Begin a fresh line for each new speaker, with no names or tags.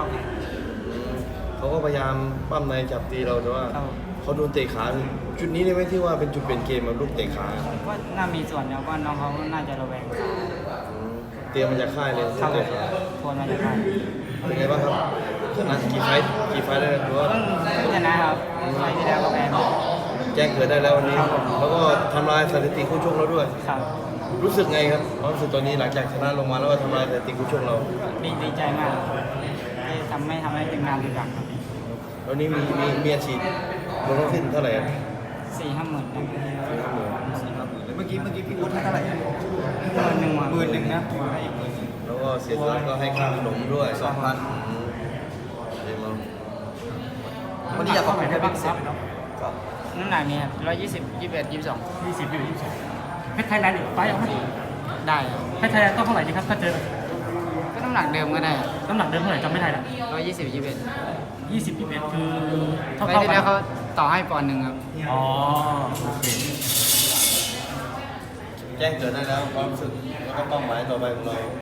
เข้าแทน
เขาก็พยายามปั้มในจับตีเราแต่ว่า
ครับ
เขาโดนเตะขาจุดนี้ได้ไหมที่ว่าเป็นจุดเปลี่ยนเกมมาลูกเตะขา
ก็น่ามีส่วนแล้วก็น้องเขาน่าจะระแวงขา
เตรียมมาจากค่ายเลย
เข้า
เตะขา
ทวนมาจากการ
เป็นไงบ้างครับชนะกี่ไฟต์ได้หรือว่า
เพิ่งชนะครับไฟล์ที่แล้วก็แพ้มา
แจ้งเกิดได้แล้ววันนี้
ครับผม
แล้วก็ทำลายสถิติคู่ชกเราด้วย
ครับ
รู้สึกไงครับความรู้สึกตอนนี้หลังจากชนะลงมาแล้วก็ทำลายสถิติคู่ชกเรา
ดีใจมากที่ทำให้ทีมงานรู้จักครับ
แล้วนี้มีอาชีพลงทั้งสิ้นเท่าไหร่ครับ
4-5 หมื่นนะ
เมื่อกี้พี่วุฒิให้เท่าไหร่
10,000
นะ
แล้วก็เสียตัวก็ให้ค่าขนมด้วย
2,000
เดี๋ยวมา
วันนี้อยากขอบคุณใครบ้างครับ
น้ำหนักนี่ครับ120 21 22
20 อยู่ 22เพชรไทยแลนด์อีกไฟล์เอาไหม
ได้ครับ
เพชรไทยแลนด์ต้องเท่าไหร่ดีครับถ้าเจอ
ก็น้ำหนักเดิมก็ได้
น้ำหนักเดิมเท่าไหร่จำไม่ได้ละ
120 21
20 21คือเท่า
ไป
เท่า
ที่
กั
แล้ว
น
เขาต่อให้ปอนด์หนึ่งครับ
อ๋อโอเค
แจ้งเกิดได้แล้วความรู้สึกแล้วก็เป้าหมายต่อไปของเรา